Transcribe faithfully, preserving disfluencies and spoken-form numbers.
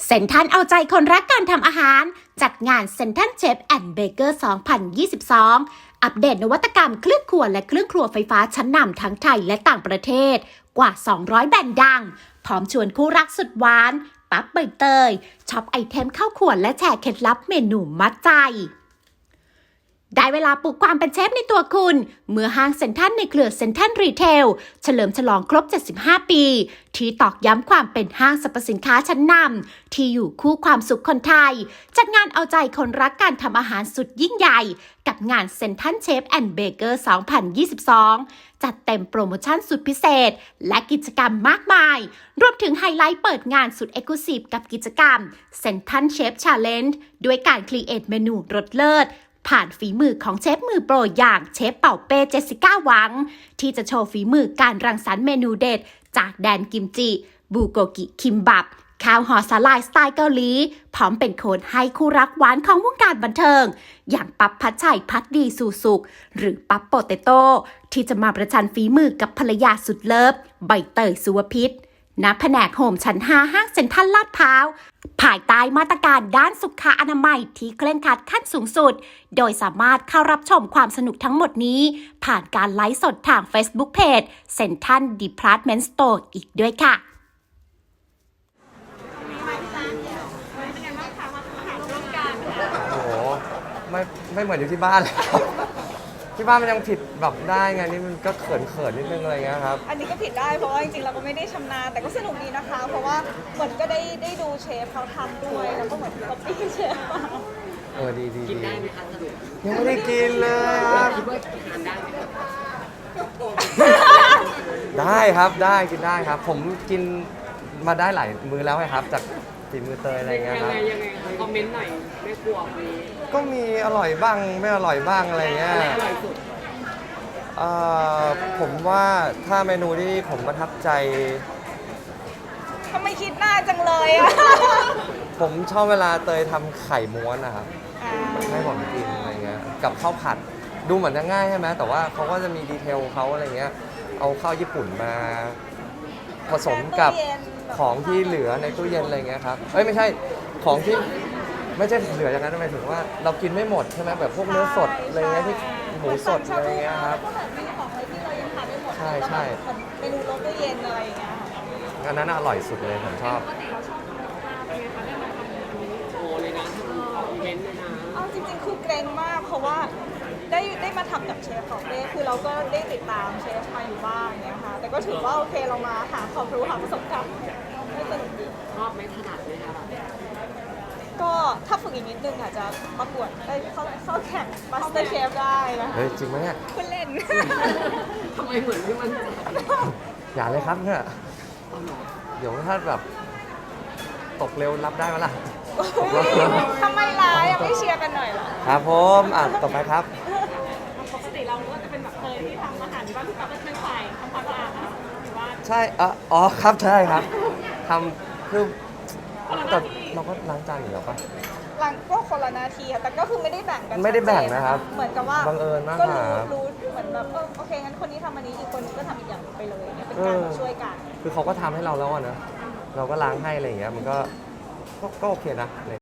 เซ็นทรัลเอาใจคนรักการทำอาหารจัดงานเซ็นทรัลเชฟแอนด์เบเกอร์ สองพันยี่สิบสอง อัปเดตนวัตกรรมเครื่องครัวและเครื่องครัวไฟฟ้าชั้นนำทั้งไทยและต่างประเทศกว่า สองร้อย แบรนด์ดัง พร้อมชวนคู่รักสุดหวานปั๊บใบเตยช็อปไอเทมเข้าครัวและแชร์เคล็ดลับเมนูมัดใจได้เวลาปลุกความเป็นเชฟในตัวคุณเมื่อห้างเซ็นทรัลในเครือเซ็นทรัลรีเทลเฉลิมฉลองครบ เจ็ดสิบห้า ปีที่ตอกย้ำความเป็นห้างสรรพสินค้าชั้นนำที่อยู่คู่ความสุขคนไทยจัดงานเอาใจคนรักการทำอาหารสุดยิ่งใหญ่กับงานเซ็นทรัลเชฟแอนด์เบเกอร์ สองพันยี่สิบสอง จัดเต็มโปรโมชั่นสุดพิเศษและกิจกรรมมากมายรวมถึงไฮไลท์เปิดงานสุดเอ็กซ์คลูซีฟกับกิจกรรมเซ็นทรัลเชฟชาเลนจ์ด้วยการครีเอทเมนูรสเลิศผ่านฝีมือของเชฟมือโปรอย่างเชฟเป่าเป้เจสสิก้าหวังที่จะโชว์ฝีมือการรังสรรค์เมนูเด็ดจากแดนกิมจิบูโกกิคิมบับข้าวห่อสาลายสไตล์เกาหลีพร้อมเป็นโค้ดให้คู่รักหวานของวงการบันเทิงอย่างปั๊บพัชชัยพัดดีสู่สุขหรือปั๊บโปเตโต้ที่จะมาประชันฝีมือกับภรรยาสุดเลิฟใบเตยสุวพิษณแผนกโฮมชั้นห้าห้างเซ็นทรัลลาดพร้าวภายใต้มาตรการด้านสุขอนามัยที่เคร่งครัดขั้นสูงสุดโดยสามารถเข้ารับชมความสนุกทั้งหมดนี้ผ่านการไลฟ์สดทาง Facebook Page Central Department Store อีกด้วยค่ะโอ้โหไม่ไม่เหมือนอยู่ที่บ้านเลยครับที่บ้านมันยังผิดแบบได้ไงนี่มันก็เขินเขินนิดนึงอะไรเงี้ยครับอันนี้ก็ผิดได้เพราะว่าจริงๆเราก็ไม่ได้ชำนาญแต่ก็สนุกดีนะคะ เพราะว่าเหมือนก็ได้ได้ดูเชฟเขาทำด้วยแล้วก็เหมือนก๊อปปี้เชฟมาเออดีดีกินได้ไหมคะสรุปยังไม่ได้กินเลยครับคิดว่าทานได้ไหมครับได้ครับได้กินได้ครับ ผมกินมาได้หลายมื้อแล้วไงครับจากฝีมือเตยอะไรเงี้ยยังครับไงยังไงคะคอมเมนต์หน่อยไม่กลัววันนี้ก็มีอร่อยบ้างไม่อร่อยบ้างอะไรเงี้ยอะไรอร่อยสุดเอ่อผมว่าถ้าเมนูที่ผมประทับใจทำไมคิดหน้าจังเลยอะผมชอบเวลาเตยทำไข่ม้วนนะครับอ่าให้ผมกินอะไรเงี้ยกับข้าวผัดดูเหมือนจะง่ายใช่ไหมแต่ว่าเขาก็จะมีดีเทลเขาอะไรเงี้ยเอาข้าวญี่ปุ่นมาผสมกับของที่เหลือในตู้เย็นอะไรเงี้ยครับเอ้ยไม่ใช่ของที่ไม่ใช่เหลืออย่างนั้นหมายถึงว่าเรากินไม่หมดใช่ไหมแบบพวกเนื้อสดอะไรเงี้ยที่หมูสดอะไรเงี้ยครับก็แบบมีของอะไรที่เรายังทานไม่หมดใช่ใช่แล้วแบบเมนูรสตู้เย็นอะไรอย่างเงี้ยอันนั้นอร่อยสุดเลยผมชอบโชว์เลยนะออกอีเวนต์เลยนะเอาจริงๆคือเกรงมากเพราะว่าได้ได้มาทำกับเชฟของเป้คือเราก็ได้ติดตามเชฟมาอยู่บ้างเนี่ยค่ะแต่ก็ถือว่าโอเคเรามาหาความรู้หาประสบการณ์ให้สนุกดีชอบไหมถนัดไหมคะก็ถ้าฝึกอีกนิดนึงอาจจะประกวดได้เข้าเข้าแข่งมาสเตอร์เชฟได้นะเฮ้ยจริงไหมเนี่ยคุณเล่นทำไมเหมือนไม่มั่นใจอย่าเลยครับเนี่ยเอาหรอเดี๋ยวถ้าแบบตกเร็วรับได้ไหมล่ะทำไมร้ายอ่ะไม่เชียร์กันหน่อยเหรอครับผมอ่ะต่อไปครับปกติเราก็จะเป็นแบบเคยที่ทำอาหารที่บ้านพี่ป๊าก็เป็นฝ่ายทำความสะอาดนะหรือว่าใช่เอ่ออ๋อครับใช่ครับทำคือแต่เราก็ล้างจานอยู่แล้วปะหลังก็คนละหนาทีค่ะแต่ก็คือไม่ได้แบ่งกันไม่ได้แบ่งนะครับเหมือนกับว่าบังเอิญมากก็กว่ารู้ครับรู้เหมือนแบบเออโอเคงั้นคนนี้ทำอันนี้อีกคนนึงก็ทำอีกอย่างไปเลยเนี่ยเป็นการแบบช่วยกันคือเขาก็ทำให้เราแล้วอะนะเราก็ล้างให้อะไรอย่างเงี้ยมันก็ก็ก็โอเคนะ